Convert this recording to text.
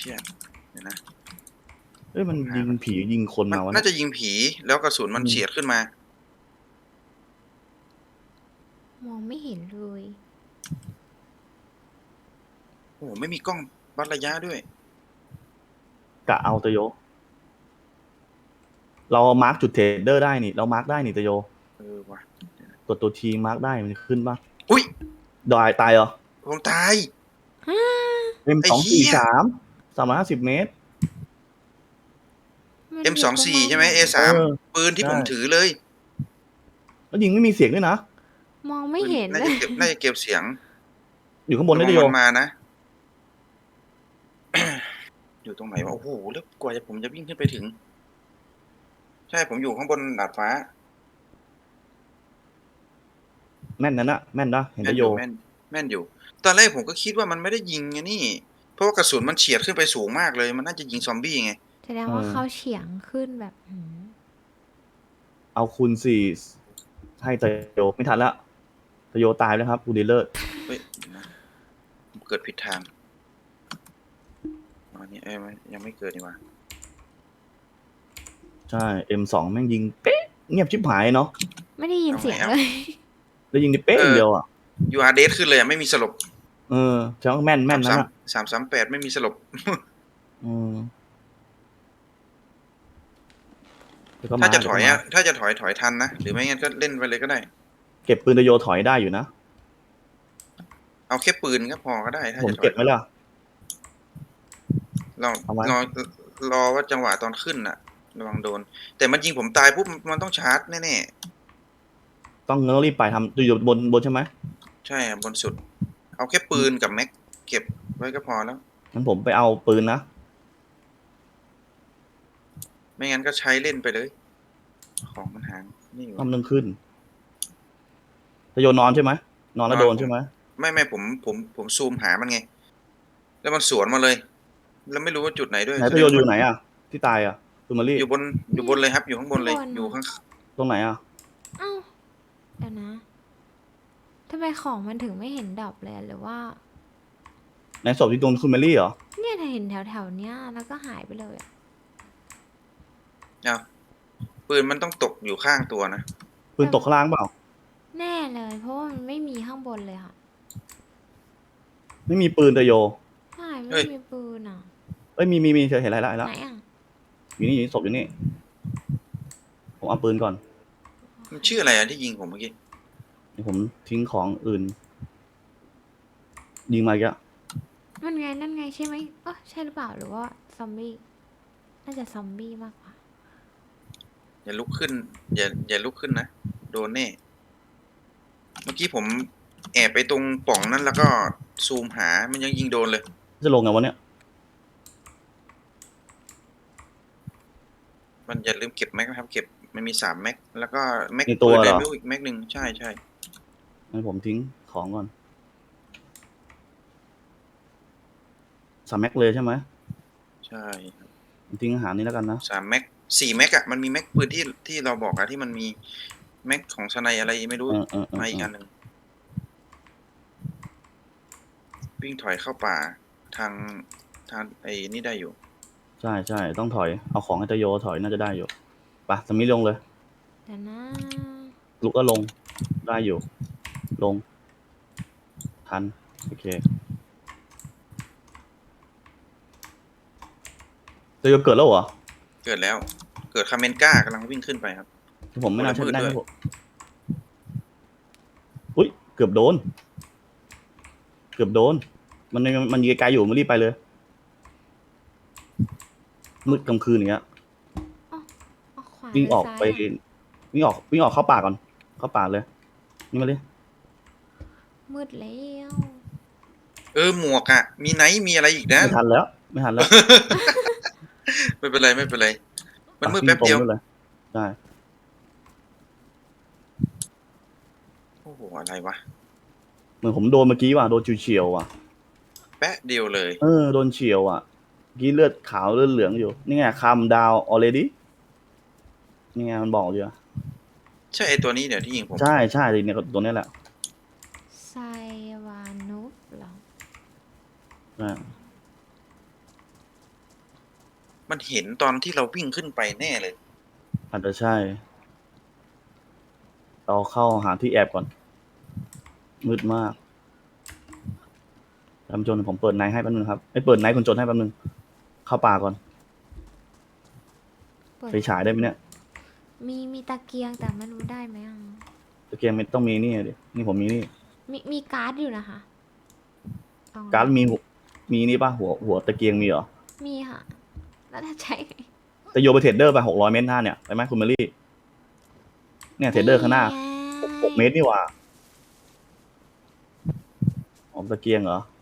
ชี่ยเดี๋ยวนะเอ้ยมันยิงผียิงคนมาวะน่าจะยิงผีแล้วกระสุนมันเฉียดขึ้นมามองไม่เห็นเลยโอ้ไม่มีกล้องวัดระยะด้วยกะเอาตะโยเรามาร์กจุดเทรดเดอร์ได้นี่เรามาร์กได้นี่ตะโยว่ะตัวทีมาร์กได้มันขึ้นปะอุ้ยตายเหรอผมตาย M243 350 เมตร M24 ใช่ไหม A3 ปืนที่ผมถือเลยแล้วยิงไม่มีเสียงด้วยนะมองไม่เห็นน่าจะเก็บเสียงอยู่ข้างบนได้ตะโยมานะ อยู่ตรงไหนวะโอ้โหแล้วกว่าผมจะวิ่งขึ้นไปถึงใช่ผมอยู่ข้างบนดาดฟ้าแม่นนั่นนะแม่นนะเห็นตะโยแม่นอยู่ตอนแรกผมก็คิดว่ามันไม่ได้ยิงไงนี่เพราะว่ากระสุนมันเฉียดขึ้นไปสูงมากเลยมันน่าจะยิงซอมบี้ไงแสดงว่าเขาเฉียงขึ้นแบบเอาคูณ4ให้ตะโยไม่ทันละตะโยตายแล้วครับกูดีเลอร์เฮ้ยเกิดผิดทางอันนี้ยังไม่เกิดนี่วะใช่ M2 แม่งยิงเป๊ะเงียบชิบหายเนาะไม่ได้ยินเสียงเลยแล้วยิงได้เป๊ะเดียวอ่ะยูอาร์เดสขึ้นเลยไม่มีสลบใช่ว่าแม่นนะ 338ไม่มีสลบถ้าจะถอยทันนะหรือไม่งั้นก็เล่นไปเลยก็ได้เก็บปืนตะโยถอยได้อยู่นะเอาแค่ปืนก็พอก็ได้ถ้าผมจะถอยเก็บไหมล่ะรอว่าจังหวะตอนขึ้นน่ะระวังโดนแต่มันยิงผมตายปุ๊บมันต้องชาร์จแน่ๆต้องรีบไปทำอยู่บนใช่ไหมใช่บนสุดเอาแค่ปืนกับแม็กเก็บไว้ก็พอแล้วงั้นผมไปเอาปืนนะไม่งั้นก็ใช้เล่นไปเลยของมันหางนี่อยู่นึงขึ้นตะโยนอนใช่ไหมนอนแล้วโดนใช่ไหมไม่ผมซูมหามันไงแล้วมันสวนมาเลยแล้วไม่รู้ว่าจุดไหนด้วยไหนตะโยนอยู่ไหนอ่ะที่ตายอ่ะตูมารีอยู่บนเลยครับอยู่ข้างบนเลยอยู่ข้างตรงไหนอ่ะอ้าวเดี๋ยวนะทำไมของมันถึงไม่เห็นดรอปเลยหรือว่าในศพที่โดนคุณเมลี่เหรอเนี่ยถ้าเห็นแถวๆเนี้ยแล้วก็หายไปเลยปืนมันต้องตกอยู่ข้างตัวนะปืนตกข้างล่างเปล่าแน่เลยเพราะว่ามันไม่มีข้างบนเลยค่ะไม่มีปืนตะโยใช่ไม่มีปืนอ่ะมีเธอเห็นอะไรแล้วไหนอ่ะอยู่นี่ศพอยู่นี่ผมเอาปืนก่อนมันชื่ออะไรที่ยิงผมเมื่อกี้ผมทิ้งของอื่นยิงมาอีกแล้วนั่นไงใช่ไหมใช่หรือเปล่าหรือว่าซอมบี้น่าจะซอมบี้มากกว่าอย่าลุกขึ้นอย่าลุกขึ้นนะโดนแน่เมื่อกี้ผมแอบไปตรงป่องนั้นแล้วก็ซูมหามันยังยิงโดนเลยจะลงไงวะเนี่ยมันอย่าลืมเก็บแม็กนะครับเก็บมันมี3 แม็กแล้วก็แม็กตัวเหรออีกแม็กหนึ่งใช่งั้นผมทิ้งของก่อน3 แม็กเลยใช่ไหมใช่ทิ้งอาหารนี้แล้วกันนะ 3 แม็ก4 แม็กมันมีแม็กปืนที่เราบอกที่มันมีแม็กของสไนอะไรไม่รู้มาอีกอันหนึ่งวิ่งถอยเข้าป่าทางไอ้นี่ได้อยู่ใช่ต้องถอยเอาของให้ตะโยถอยน่าจะได้อยู่ปะสมิธลงเลยเดี๋ยวนะลุกก็ลงได้อยู่ลงทันโอเคตะโยเกิดแล้วเหรอเกิดแล้วเกิดคาเมนก้ากำลังวิ่งขึ้นไปครับผมไม่น่าใช่ได้ผมอุ้ยเกือบโดนมันยืนไกลอยู่มันรีบไปเลยมืดกลางคืนอย่างเงี้ยวิ่งออกไปวิ่งออกเข้าป่าก่อนเข้าป่าเลยนี่มาเลยมืดแล้วหมวกมีไนท์มีอะไรอีกนะไม่ทันแล้วไม่เป็นไรมันมืดแป๊บเดียวใช่โอ้โหอะไรวะเหมือนผมโดนเมื่อกี้ว่ะโดนเฉียวว่ะแป๊ะเดียวเลยโดนเฉียวอ่ะกี้เลือดขาวเลือดเหลืองอยู่นี่ไงคัมดาว already นี่ไงมันบอกอยู่ใช่ไอตัวนี้เดี๋ยวที่ยิงผมใช่เนี่ยตัวนี้แหละไซวานุฟเหรอมันเห็นตอนที่เราวิ่งขึ้นไปแน่เลยอาจจะใช่ เราเข้าหาที่แอบก่อน มืดมากท่านผู้ชมผมเปิดไนท์ให้แป๊บนึงครับไม่เปิดไนท์คนจนให้แป๊บนึง เข้าป่าก่อนเปิดไปฉายได้ไหมเนี่ยมีตะเกียงแต่ไม่รู้ได้ไหมอ่ะตะเกียงไม่ต้องมีนี่ดินี่ผมมีนี่มีการ์ดอยู่นะคะลองการ์ดมีนี่ป่ะหัวตะเกียงมีเหรอมีค่ะ แล้วถ้าใช้ไงจะโยนไปเทรดเดอร์ไป600 เมตรหน้าเนี่ยไปไหมคุณเมลี่ เนี่ยเทรดเดอร์ข้างหน้าไง 6 เมตรนี่หว่าอ๋อตะเกียงเหรอ